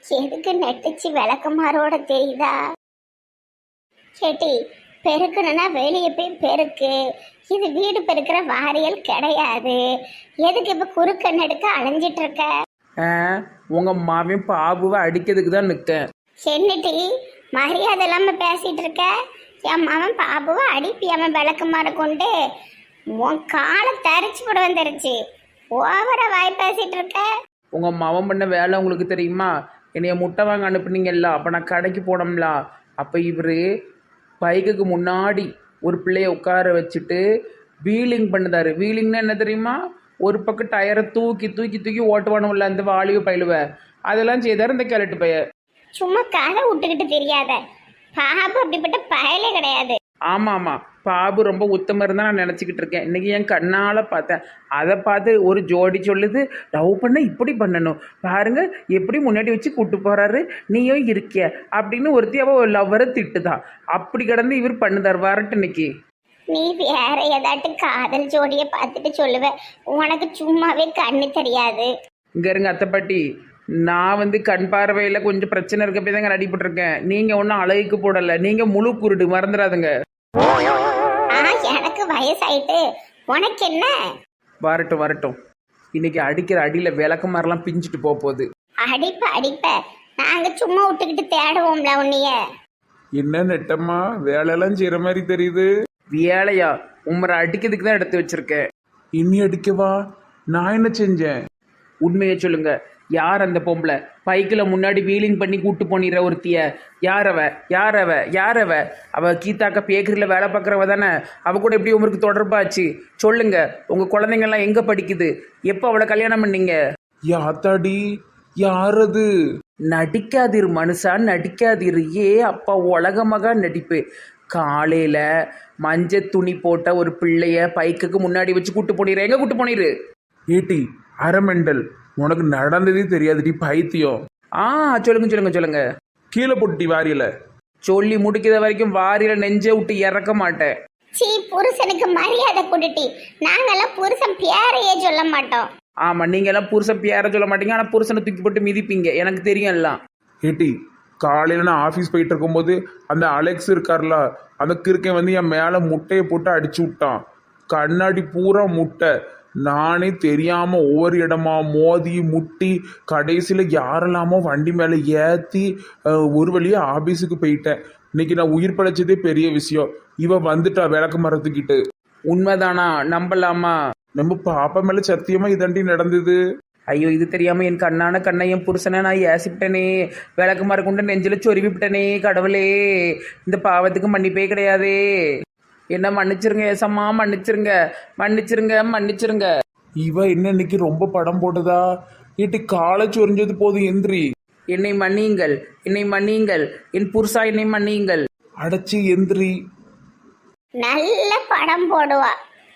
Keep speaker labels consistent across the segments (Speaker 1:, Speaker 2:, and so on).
Speaker 1: எதுக்கு நெட்டுச்சு விளக்குமாரோட தெரியுதா? கேட்டி, பெருக்கணும்னா வெளியே போய் பெருக்கு. இது வீடு பெருக்கிற வாரியல் கிடையாது. எதுக்கு இப்ப குறுக்க நெடுக்க அலைஞ்சிட்டு இருக்க?
Speaker 2: ஆ, உங்க மாவன் பாபுவை அடிக்கிறதுக்கு தான் நிற்கேன்.
Speaker 1: என்னட்டி மரியாதை இல்லாம பேசிட்டு இருக்க? என் மகன் பாபுவை அடிப்பியாம விளக்குமாற கொண்டு உன் காலை தரிச்சு போட வந்துருச்சு. ஓவரா வாய் பேசிட்டு இருக்க.
Speaker 2: உங்க மாவன் பண்ண வேலை உங்களுக்கு தெரியுமா? என்னைய முட்டை வாங்க அனுப்புனீங்கல்ல, அப்போ நான் கடைக்கு போனோம்ல, அப்போ இவர் பைக்குக்கு முன்னாடி ஒரு பிள்ளைய உட்கார வச்சுட்டு வீலிங் பண்ணுதாரு. வீலிங்னா என்ன தெரியுமா? ஒரு பக்கம் டயரை தூக்கி தூக்கி தூக்கி ஓட்டுவானும்ல, அந்த வாலிவு பயிலுவ அதெல்லாம் செய்தார் இந்த கிழட்டு பைய.
Speaker 1: சும்மா கதை விட்டுக்கிட்டு தெரியாத. பாபு அப்படிப்பட்ட பயலே கிடையாது.
Speaker 2: ஆமாம் ஆமாம், பாபு ரொம்ப உத்தமர் தான் நான் நினச்சிக்கிட்டு இருக்கேன். இன்றைக்கி என் கண்ணால் பார்த்தேன். அதை பார்த்து ஒரு ஜோடி சொல்லுது, லவ் பண்ண இப்படி பண்ணணும் பாருங்க, எப்படி முன்னாடி வச்சு கூட்டு போகிறாரு, நீயும் இருக்கிய அப்படின்னு ஒருத்தி அவள் லவ்வரை திட்டுதான். அப்படி கிடந்து இவர் பண்ணுதார். வரட்டு இன்னைக்கு.
Speaker 1: நீ வேற ஏதாட்டு காதல் ஜோடியை பார்த்துட்டு சொல்லுவ. உனக்கு சும்மாவே கண்ணு தெரியாது.
Speaker 2: இங்கே இருங்க அத்தைப்பாட்டி, நான் கண் பார்வையில் கொஞ்சம் பிரச்சனை இருக்க போய் தாங்க அடிபட்டிருக்கேன். நீங்கள் ஒன்றும் அழகுக்கு போடலை, நீங்கள் முழு குருடு, மறந்துடாதுங்க.
Speaker 1: எனக்கு வயசாயிட்டு உனக்கு என்ன?
Speaker 2: வரட்டும் வரட்டும், இன்னைக்கு அடிக்கிற அடியில் விளக்கு மாதிரிலாம் பிஞ்சிட்டு போகுது.
Speaker 1: அடிப்ப நாங்க சும்மா விட்டுக்கிட்டு தேடுவோம்ல உன்னைய.
Speaker 3: என்ன நெட்டம்மா வேலையெல்லாம் செய்யற மாதிரி தெரியுது.
Speaker 2: வேலையா? உம்மரை அடிக்கிறதுக்கு தான் எடுத்து வச்சிருக்கேன்.
Speaker 3: இனி அடிக்கவா? நான் என்ன செஞ்சேன்?
Speaker 2: உண்மையை சொல்லுங்க, யார் அந்த பொம்பளை பைக்கில் முன்னாடி வீலிங் பண்ணி கூட்டு போனிற ஒருத்திய? யாரவ யாரவ யாரவ? அவ கீதாக்கா பேக்கரியில் வேலை பார்க்குறவ தானே? அவ கூட எப்படி உங்களுக்கு தொடர்பாச்சு? சொல்லுங்க, உங்கள் குழந்தைங்கள்லாம் எங்கே படிக்குது? எப்போ அவளை கல்யாணம் பண்ணீங்க?
Speaker 3: யாத்தாடி, யாரது?
Speaker 2: நடிக்காதிரு மனுஷா, நடிக்காதிரு. ஏ அப்பா, உலகமாக நடிப்பு. காலையில் மஞ்சள் துணி போட்ட ஒரு பிள்ளைய பைக்குக்கு முன்னாடி வச்சு கூட்டு போனிரு. எங்கே கூட்டு போனிரு?
Speaker 3: ஏட்டி அரமெண்டல், உனக்கு நடந்ததே தெரியாதுடி பைத்தியம்.
Speaker 2: சொல்லுங்க சொல்லுங்க சொல்லுங்க.
Speaker 3: கீழே போட்டுட்டி வாரியல.
Speaker 2: சொல்லி முடிக்கிற வரைக்கும் வாரியில நெஞ்சே விட்டு இறக்க மாட்டேன்.
Speaker 1: சீ, புருஷனுக்கு மரியாதை கொடுட்டி. நாங்கெல்லாம் புருஷன் பேரையே சொல்ல மாட்டோம்.
Speaker 2: ஆமா, நீங்க எல்லாம் புருஷன் பேர சொல்ல மாட்டீங்க, ஆனா புருஷனை தூக்கி போட்டு மிதிப்பீங்க. எனக்கு தெரியும் எல்லாம்.
Speaker 3: ஏட்டி காலையில் நான் ஆஃபீஸ் போயிட்டு இருக்கும்போது அந்த அலெக்ஸ் இருக்கார்ல, அந்த கிறுக்கன் என் மேலே முட்டையை போட்டு அடிச்சு விட்டான். கண்ணாடி பூரா முட்டை. நானே தெரியாமல் ஒவ்வொரு இடமா மோதி முட்டி கடைசியில் யாரெல்லாமோ வண்டி மேலே ஏற்றி ஒரு வழியாக ஆஃபீஸுக்கு போயிட்டேன். இன்னைக்கு நான் உயிர் படைச்சதே பெரிய விஷயம். இவ வந்துட்டா விளக்கு மரத்துக்கிட்டு.
Speaker 2: உண்மைதானா? நம்பலாமா?
Speaker 3: நம்ம பாப்பா மேலே சத்தியமாக இதாண்டி நடந்தது.
Speaker 2: ஐயோ, இது தெரியாம என் கண்ணான கண்ணையும் புருஷனை நான் ஏசிவிட்டனே. விளக்கு மரக்குண்டு நெஞ்சில சொருவி விட்டனே. கடவுளே, இந்த பாவத்துக்கு மன்னிப்பே கிடையாதே. என்ன மன்னிச்சிருங்க ஏசம்மா, மன்னிச்சிருங்க மன்னிச்சிருங்க மன்னிச்சிருங்க.
Speaker 3: இவ என்ன இன்னைக்கு ரொம்ப படம் போட்டதா? ஏட்டி காலை சொரிஞ்சது போதும் எந்திரி.
Speaker 2: என்னை மன்னியுங்கள், என்னை மன்னியுங்கள், என் புருஷா என்னை மன்னியுங்கள்.
Speaker 3: அடைச்சி எந்திரி.
Speaker 1: நல்ல படம் போடுவா.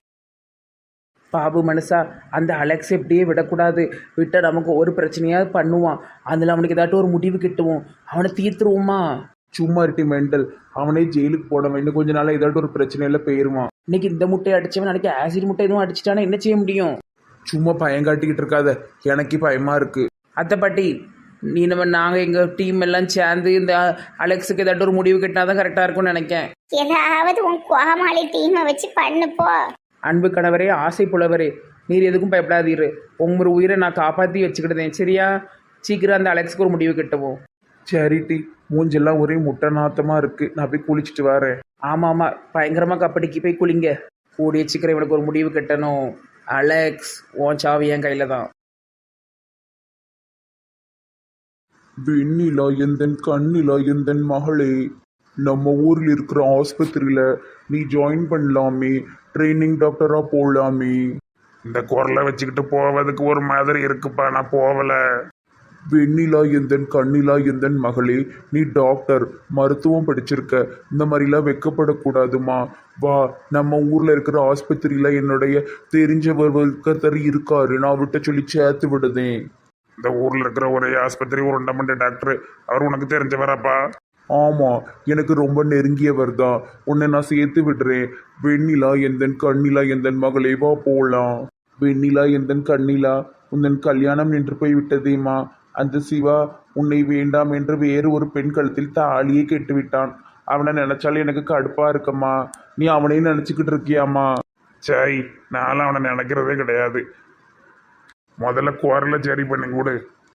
Speaker 2: பாபு மனுஷா, அந்த அலெக்ஸ் எப்படியே விடக்கூடாது. விட்டால் நமக்கு ஒரு பிரச்சனையாவது பண்ணுவான். அதில் அவனுக்கு ஏதாட்டும் ஒரு முடிவு கிட்டுவோம். அவனை தீர்த்துருவோமா?
Speaker 3: சும்மா இருட்டி மெண்டல். அவனே ஜெயிலுக்கு போட இன்னும் கொஞ்ச நாள் ஏதாட்டும் ஒரு பிரச்சனையில போயிருவான்.
Speaker 2: இன்னைக்கு இந்த முட்டையை அடிச்சவன் நாளைக்கு ஆசிட் முட்டை எதுவும் அடிச்சிட்டானா என்ன செய்ய முடியும்?
Speaker 3: சும்மா பயங்காட்டிக்கிட்டு இருக்காத, எனக்கு பயமா இருக்கு.
Speaker 2: அத்தை பாட்டி, நாங்கள் எங்கள் டீம் எல்லாம் சேர்ந்து இந்த அலெக்ஸுக்கு ஏதாட்டும் ஒரு முடிவு கிட்டினா தான் கரெக்டாக இருக்கும்னு நினைக்கேன்.
Speaker 1: ஏதாவது உன் கோமாளி டீமை வச்சு பண்ணுப்போ.
Speaker 2: அன்பு கணவரே, ஆசை புலவரே, நீர் எதுக்கும் பயப்படாதீரு. உங்கள் உயிரை நான் காப்பாற்றி வச்சுக்கிட்டேன். சரியா? சீக்கிரம் அந்த அலெக்ஸுக்கு ஒரு முடிவு கிட்டவும்.
Speaker 3: சரிட்டி, மூஞ்செல்லாம் ஒரே முட்டை நாத்தமா இருக்கு. நான் போய் குளிச்சுட்டு வரேன்.
Speaker 2: ஆமாம் ஆமாம், பயங்கரமாக கப்படிக்கு போய் குளிங்க. கூடிய சீக்கிரம் இவனுக்கு ஒரு முடிவு கட்டணும். அலெக்ஸ், உன் சாவி என் கையில் தான்.
Speaker 3: வெண்ணிலா எந்தன் கண்ணிலா எந்தன் மகளே, நம்ம ஊரில் இருக்கிற ஆஸ்பத்திரியில் நீ ஜாயின் பண்ணலாமே, ட்ரைனிங் டாக்டராக போகலாமே. இந்த குரலை வச்சுக்கிட்டு போவதுக்கு ஒரு மாதிரி இருக்குப்பா, நான் போகல. வெண்ணிலா எந்தன் கண்ணிலா எந்தன் மகளே, நீ டாக்டர் மருத்துவம் படிச்சிருக்க, இந்த மாதிரிலாம் வெக்கப்படக்கூடாதுமா. வா, நம்ம ஊரில் இருக்கிற ஆஸ்பத்திரியில் என்னுடைய தெரிஞ்சவர் ஒருத்தர் இருக்காரு, நான் விட்ட சொல்லி சேர்த்து விடுதேன். இந்த ஊரில் இருக்கிற ஒரே ஆஸ்பத்திரி உருண்டமண்ட டாக்டர், அவர் உனக்கு தெரிஞ்சவராப்பா? ஆமாம், எனக்கு ரொம்ப நெருங்கியவர் தான். உன்னை நான் சேர்த்து விடுறேன். வெண்ணிலா எந்தன் கண்ணிலா எந்தன் மகளே, வா போகலாம். வெண்ணிலா எந்தன் கண்ணிலா, உந்தன் கல்யாணம் நின்று போய் விட்டதேம்மா, அந்த சிவா உன்னை வேண்டாம் என்று வேறு ஒரு பெண் கழுத்தில் தாலியை கெட்டுவிட்டான். அவனை நினைச்சாலும் எனக்கு கடுப்பா இருக்கம்மா. நீ அவனையும் நினைச்சுக்கிட்டு இருக்கியாம்மா? சரி, நானும் அவனை நினைக்கிறதே கிடையாது. முதல்ல குரலை சரி பண்ணி கொடு.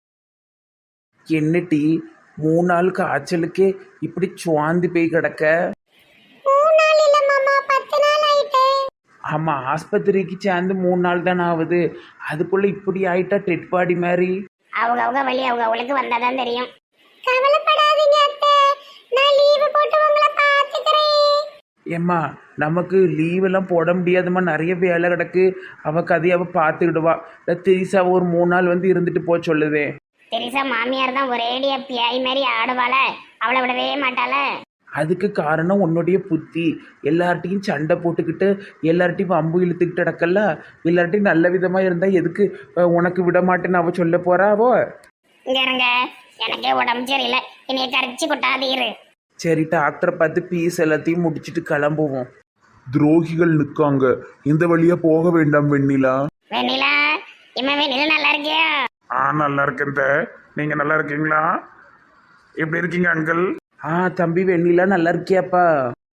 Speaker 2: என்ன டீ 3 நாள் காய்ச்சலுக்கே இப்படி சுவாந்தி போய் கிடக்க?
Speaker 1: 3 நாள் இல்ல மாமா, 10 நாள் ஆயிட்டே.
Speaker 2: ஆமாம், ஆஸ்பத்திரிக்கு சேர்ந்து 3 நாள் தானே ஆகுது, அதுக்குள்ளே இப்படி ஆயிட்டா டெட் பாடி மாதிரி.
Speaker 1: அவங்க வழி அவங்களுக்கு வந்தாதான் தெரியும். கவலைப்படாதீங்க அத்தை, நான் லீவு போட்டு உங்களை பார்த்துக்கிறேன்.
Speaker 2: ஏம்மா நமக்கு லீவெல்லாம் போட முடியாதும்மா, நிறைய வேலை கிடக்கு. அவள் கதையை அவள் பார்த்துக்கிடுவா. இல்லை திரிசாவை ஒரு 3 நாள் வந்து இருந்துட்டு போக சொல்லுதே.
Speaker 1: தெரிசா மாமியார் தான் ஒரேடியா பியாய் மாதிரி ஆடுவாள, அவளை விடவே மாட்டாள.
Speaker 2: அதுக்கு காரணம் உன்னுடைய புத்தி. எல்லார்ட்டையும் சண்டை போட்டுக்கிட்டு எல்லார்ட்டையும் வம்பு இழுத்துக்கிட்டு நடக்கல. எல்லார்ட்டையும் நல்ல விதமாக இருந்தால் எதுக்கு உனக்கு விட மாட்டேன்னு அவள் சொல்ல போறாவோ?
Speaker 1: இங்க இருங்க, எனக்கே உடம்பு சரியில்லை, என்னைய கரைச்சி கொட்டாதீரு.
Speaker 2: சரி, டாக்டரை பார்த்து பீஸ் எல்லாத்தையும் முடிச்சுட்டு கிளம்புவோம்.
Speaker 3: துரோகிகள் நிற்காங்க, இந்த வழியா போக வேண்டாம் வெண்ணிலா.
Speaker 1: வெண்ணிலா, வெண்ணிலா நல்லா இருக்கியா?
Speaker 3: நல்லா இருக்கேன். நீங்க நல்லா இருக்கீங்களா? எப்படி இருக்கீங்க அங்கிள்?
Speaker 2: தம்பி வெண்ணிலா நல்லா இருக்கியாப்பா?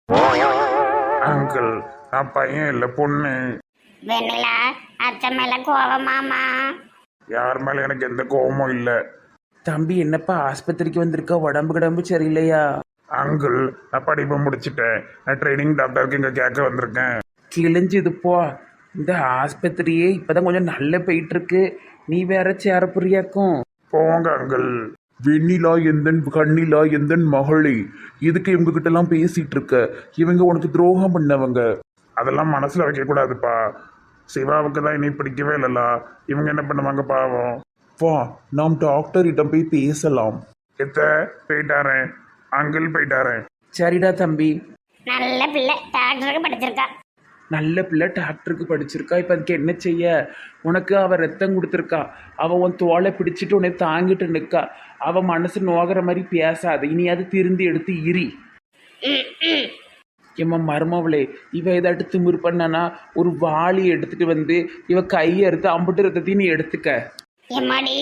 Speaker 3: அங்கிள், நான் பையன் இல்லை பொண்ணு.
Speaker 1: வெண்ணிலா, அத்தை மேல கோவமாமா?
Speaker 3: யார் மேல எனக்கு எந்த கோபமும் இல்லை.
Speaker 2: தம்பி என்னப்பா ஆஸ்பத்திரிக்கு வந்திருக்கா, உடம்பு கிடம்பு சரியில்லையா?
Speaker 3: அங்கிள், நான் படிப்பை முடிச்சிட்டேன். நான் ட்ரைனிங் டாக்டருக்கு இங்கே கேட்க வந்திருக்கேன்.
Speaker 2: கிழிஞ்சுது போ. இந்த ஆஸ்பத்திரியே இப்போதான் கொஞ்சம் நல்லா போயிட்டு இருக்கு, நீ வேற சேர புரியாக்கும்.
Speaker 3: போங்க அங்கிள். வெண்ணிலா எந்தன் கண்ணிலா எந்தன் மகளே, இதுக்கு இவங்க கிட்ட எல்லாம் பேசிட்டு இருக்க? இவங்க உனக்கு துரோகம் பண்ணவங்க. அதெல்லாம் மனசுல வைக்க கூடாதுப்பா. சிவாவுக்கு தான் இனி பிடிக்கவே இல்லல, இவங்க என்ன பண்ணுவாங்க பாவம். வா, நாம் டாக்டரிடம் போய் பேசலாம். போயிட்டாரேன் அங்கிள், போயிட்டாரேன்.
Speaker 2: சரிடா தம்பி.
Speaker 1: நல்ல பிள்ளை, டாக்டருக்கு படிச்சிருக்கா.
Speaker 2: நல்ல பிள்ளை டாக்டருக்கு படிச்சிருக்கா. இப்போ அதுக்கு என்ன செய்ய? உனக்கு அவள் ரத்தம் கொடுத்துருக்கா, அவள் உன் தோலை பிடிச்சிட்டு உன்னை தாங்கிட்டு நிற்கா. அவள் மனசு நோகிற மாதிரி பேசாது, இனி அது திருந்தி எடுத்து இரி. எம்மா மருமவளே, இவ ஏதாட்டு திமிர் பண்ணனா ஒரு வாளி எடுத்துட்டு வந்து இவ கையை எடுத்து அம்புட்டு ரத்தத்தையும் நீ எடுத்துக்க.
Speaker 1: எம்மாடி,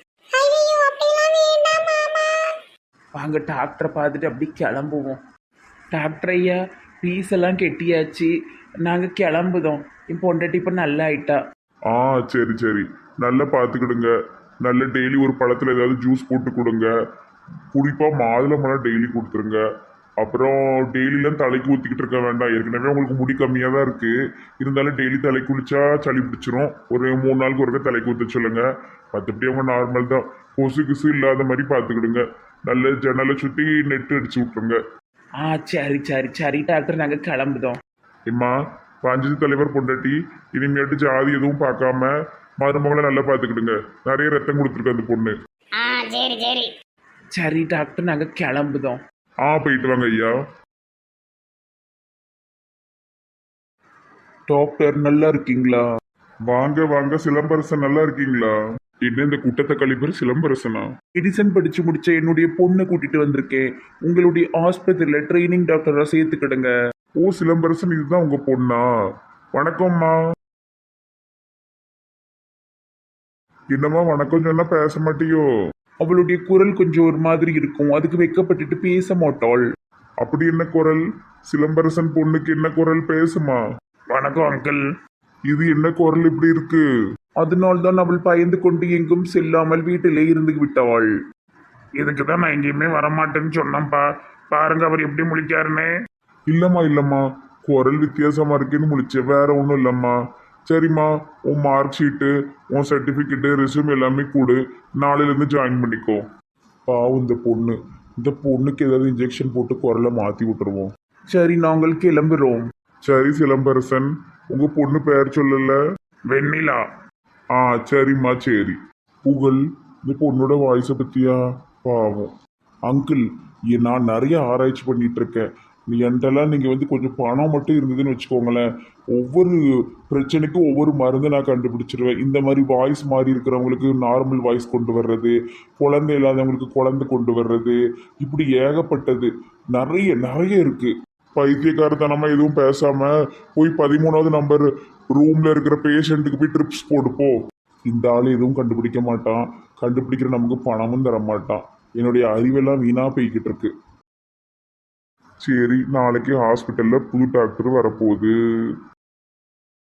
Speaker 2: வாங்க டாக்டரை பார்த்துட்டு அப்படி கிளம்புவோம். டாக்டர் ஐயா, பீஸ் எல்லாம் கெட்டியாச்சு, நாங்கள் கிளம்புதோம். என் பொண்டாட்டி இப்போ நல்லா ஆயிட்டா.
Speaker 3: சரி சரி, நல்லா பார்த்துக்கிடுங்க. நல்ல டெய்லி ஒரு பழத்தில் ஏதாவது ஜூஸ் போட்டு கொடுங்க. குறிப்பாக மாதுளம்பழம் டெய்லி கொடுத்துருங்க. அப்புறம் டெய்லிலாம் தலைக்கு ஊற்றிக்கிட்டு இருக்க வேண்டாம். ஏற்கனவே உங்களுக்கு முடி கம்மியாக தான் இருக்குது, இருந்தாலும் டெய்லி தலை குளிச்சா சளி பிடிச்சிரும். ஒரு 3 நாளுக்கு ஒருக்க தலைக்கு ஊற்ற சொல்லுங்க. மற்றபடி அவங்க நார்மல் தான். கொசு கிசு இல்லாத மாதிரி பார்த்துக்கிடுங்க. நல்ல ஜன்னலை சுற்றி நெட்டு அடிச்சு விட்ருங்க.
Speaker 2: சரி சரி சரி டாக்டர், நாங்கள் கிளம்புதோம்.
Speaker 3: இம்மா, பஞ்சாயத்து தலைவர் பொண்டாட்டி, இனிமேட்டு ஜாதி எதுவும் பார்க்காம மருமகளை நல்லா பார்த்துக்கிடுங்க. நிறைய ரத்தம் கொடுத்துருக்கு அந்த பொண்ணு.
Speaker 1: சரி சரி
Speaker 2: சரி டாக்டர், நாங்கள் கிளம்புதோம்.
Speaker 3: போயிட்டு வாங்க ஐயா. டாக்டர் நல்லா இருக்கீங்களா? வாங்க வாங்க சிலம்பரசன், நல்லா இருக்கீங்களா? என்ன இந்த குட்டத்தை கழிப்பர் சிலம்பரசனா? மெடிசன் படிச்சு முடிச்ச என்னுடைய பொண்ணை கூட்டிட்டு வந்திருக்கேன். உங்களுடைய ஆஸ்பத்திரியில ட்ரைனிங் டாக்டரா சேர்த்துக்கிடுங்க. சிலம்பரசன், இதுதான் உங்க பொண்ணா? வணக்கம்மா. என்னம்மா வணக்கம் சொன்னா பேச மாட்டியோ? அவளுடைய குரல் கொஞ்சம் ஒரு மாதிரி இருக்கும், அதுக்கு வெக்கப்பட்டுட்டு பேச மாட்டாள். அப்படி என்ன குரல்? சிலம்பரசன் பொண்ணுக்கு என்ன குரல் பேசுமா? வணக்கம் அங்கிள். இது என்ன குரல் இப்படி இருக்கு? அதனால்தான் அவள் பயந்து கொண்டு எங்கும் செல்லாமல் வீட்டிலே இருந்து விட்டவாள். இதுக்கு தான் நான் எங்கேயுமே வரமாட்டேன்னு சொன்னேன்ப்பா. பாருங்க அவர் எப்படி முழிக்காருன்னு. இல்லம்மா, குரல் வித்தியாசமா இருக்குன்னு முழிச்சேன், வேற ஒன்றும் இல்லம்மா. சரிம்மா, உன் மார்க் ஷீட்டு, உன் சர்டிஃபிகேட்டு, ரெஸ்யூம் எல்லாமே கொடு. நாளையிலேருந்து ஜாயின் பண்ணிக்கோ. பாவம் இந்த பொண்ணுக்கு ஏதாவது இன்ஜெக்ஷன் போட்டு குரலை மாற்றி விட்டுருவோம். சரி, நாங்கள் கிளம்புறோம். சரி சிலம்பரசன், உங்க பொண்ணு பெயர் சொல்லல? வெண்ணிலா. சரிம்மா சரி. புகழ், இந்த பொண்ணோட வாய்ஸை பத்தியா? பாவம் அங்கிள், நான் நிறைய ஆராய்ச்சி பண்ணிட்டு இருக்கேன். என்கிட்டலாம் நீங்கள் வந்து கொஞ்சம் பணம் மட்டும் இருந்ததுன்னு வச்சுக்கோங்களேன், ஒவ்வொரு பிரச்சனைக்கும் ஒவ்வொரு மருந்து நான் கண்டுபிடிச்சிருவேன். இந்த மாதிரி வாய்ஸ் மாறி இருக்கிறவங்களுக்கு நார்மல் வாய்ஸ் கொண்டு வர்றது, குழந்தை இல்லாதவங்களுக்கு குழந்தை கொண்டு வர்றது, இப்படி ஏகப்பட்டது நிறைய இருக்குது. பைத்தியக்காரத்தனமாக எதுவும் பேசாமல் போய் 13வது நம்பர் ரூமில் இருக்கிற பேஷண்ட்டுக்கு போய் ட்ரிப்ஸ் போடுப்போ. இந்த ஆள் எதுவும் கண்டுபிடிக்க மாட்டான், கண்டுபிடிக்கிற நமக்கு பணமும் தர மாட்டான். என்னுடைய அறிவெல்லாம் வீணா போய்கிட்டு இருக்கு. சரி, நாளைக்கு ஹாஸ்பிட்டல்ல புது டாக்டர் வரப்போகுது.